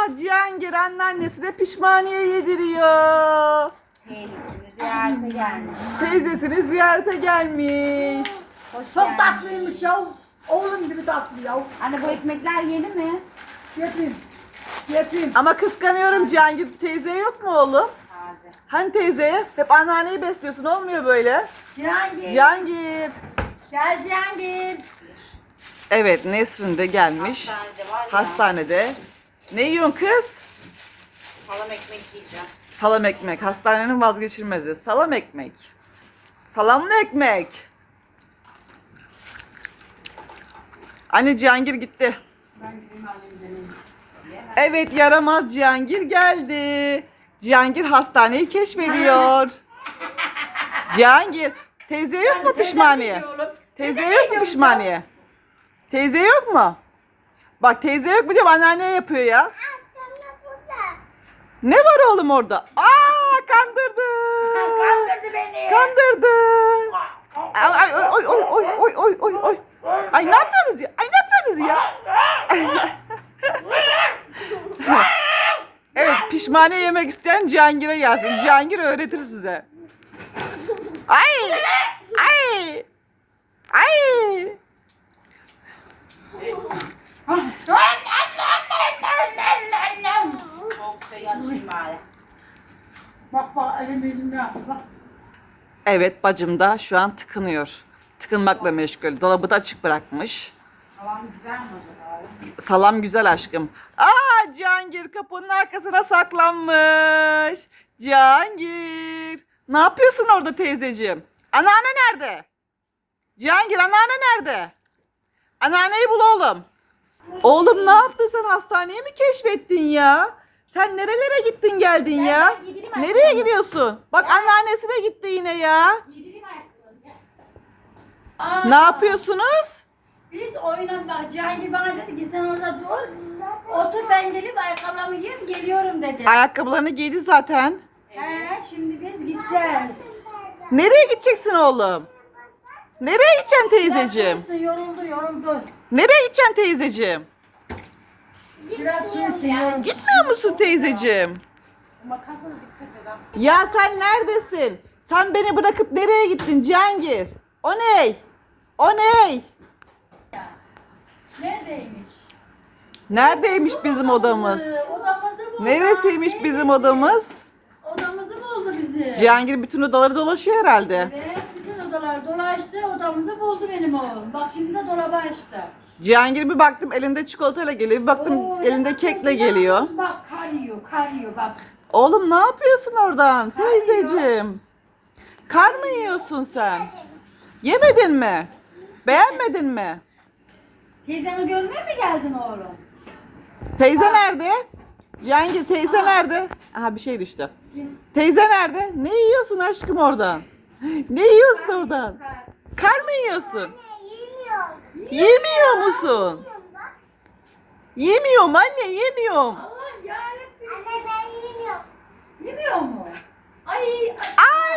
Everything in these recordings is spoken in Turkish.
Cihangir anneannesine pişmaniye yediriyor. Teyzesini ziyarete gelmiş. Teyzesini ziyarete gelmiş. Hoş Çok geldin. tatlıymış ya. Oğlum gibi tatlı ya. Anne bu ekmekler yeni mi? Yapayım. Yapayım. Ama kıskanıyorum Cihangir. Teyze yok mu oğlum? Taze. Hani teyzeye? Hep anneanneyi besliyorsun, olmuyor böyle. Cihangir. Cihangir. Gel Cihangir. Evet, Nesrin de gelmiş. Hastanede var ya. Hastanede. Ne yiyorsun kız? Salam ekmek yiyeceğim. Salam ekmek. Hastanenin vazgeçilmezi. Salam ekmek. Salamlı ekmek. Anne Cihangir gitti. Ben gideyim alayım deneyim. Evet, yaramaz Cihangir geldi. Cihangir hastaneyi keşfediyor. Cihangir, teyze yok mu pişmaniye? Teyze yok mu pişmaniye? Teyze yok mu? Bak teyze yok mu diyorum, anneanne yapıyor ya. Ne var oğlum orada? Aa, kandırdı. Kandırdı beni. Kandırdı. Ay oy oy oy oy oy oy oy. Ay ne yapıyorsunuz ya? Ay ne yapıyorsunuz ya? Evet, pişmaniye yemek isteyen Cihangir'e gelsin. Cihangir öğretir size. Ay! Ay! Ay! Soğuk şey açayım bari. Bak bak elim yüzümde yaptı bak. Evet, bacım da şu an tıkınıyor. Tıkınmakla meşgul. Dolabı da açık bırakmış. Salam güzel mi acaba? Salam güzel aşkım. Aa, Cihangir kapının arkasına saklanmış. Cihangir. Ne yapıyorsun orada teyzeciğim? Anneanne nerede? Cihangir, anneanne nerede? Anneanneyi bul oğlum. Oğlum ne yaptın sen, hastaneyi mi keşfettin ya? Sen nerelere gittin geldin ya? yedireyim Nereye ayakkabılarını. gidiyorsun? Bak anneannesine gitti yine ya. Yedireyim ayakkabılarını. Gel. Aa, Ne yapıyorsunuz? Biz oyuna bak. Cihangir bana dedi ki sen orada dur. Otur ben gelip ayakkabılarımı yiyeyim geliyorum dedi. Ayakkabılarını giydi zaten. He, şimdi biz gideceğiz. Nereye gideceksin oğlum? Nereye gideceksin teyzeciğim? Biraz su içsin, yoruldu. Nereye gideceksin teyzeciğim? Biraz su içsin, yoruldu. Gitmiyor musun teyzeciğim? Makasına dikkat edin. Ya sen neredesin? Sen beni bırakıp nereye gittin Cihangir? O ney? O ney? Neredeymiş? Neredeymiş bizim odamız? Odamızı buldu. Neresiymiş bizim odamız? Odamızı buldu bizi. Cihangir bütün odaları dolaşıyor herhalde. Evet, bütün odalar dolaştı, odamızı buldu benim oğlum. Bak şimdi de dolabı açtı. Cihangir bir baktım elinde çikolatayla geliyor, bir baktım Oo, elinde ne kekle yapıyorsun geliyor. yavrum? Bak kar yiyor bak. Oğlum ne yapıyorsun oradan Kar yiyor. teyzeciğim? Kar mı yiyorsun sen? Yemedin mi? Beğenmedin mi? Teyzemi görmeye mi geldin oğlum? Teyze nerede? Cihangir teyze nerede? Aha bir şey düştü. Teyze nerede? Ne yiyorsun aşkım oradan? Ne yiyorsun oradan? Kar mı yiyorsun? Yemiyor musun? Yemiyorum anne, yemiyorum. Allah yarabbim. Yemiyor mu? Ay, Ay!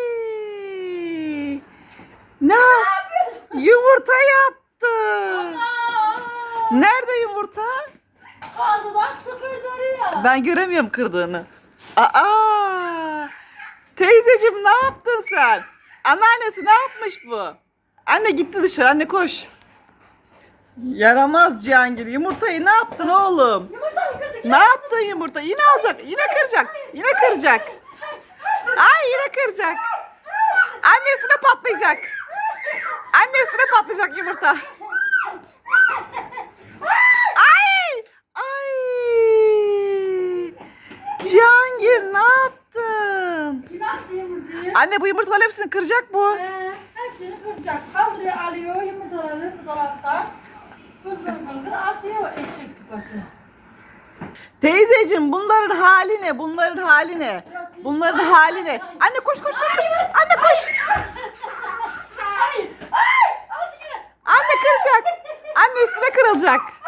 Ne? Yumurta yattı. Nerede yumurta? Ağzından tıkırdı oraya. Ben göremiyorum kırdığını. Aa! Teyzeciğim ne yaptın sen? Anneannesi ne yapmış bu? Anne gitti dışarı, anne koş. Yaramaz Cihangir. Yumurtayı ne yaptın oğlum? Yumurta mı kırdık? Ne yaptın yumurta? Yine alacak, yine kıracak. Yine kıracak. Ay yine kıracak. Annesine patlayacak. Annesine patlayacak yumurta. Ay! Ay! Cihangir ne yaptın? Kim attı yumurtayı? Anne bu yumurtaların hepsini kıracak bu. Hepsini kıracak. Kaldırıyor, alıyor yumurtaları bu dolaptan. Fıldır atıyor eşek sıpası. Teyzeciğim bunların hali ne? Bunların hali ne? Bunların hali ne? Anne koş koş koş. Koş. Anne koş. Ay! Ay! Al şunu! Anne kıracak. Anne üstüne kırılacak.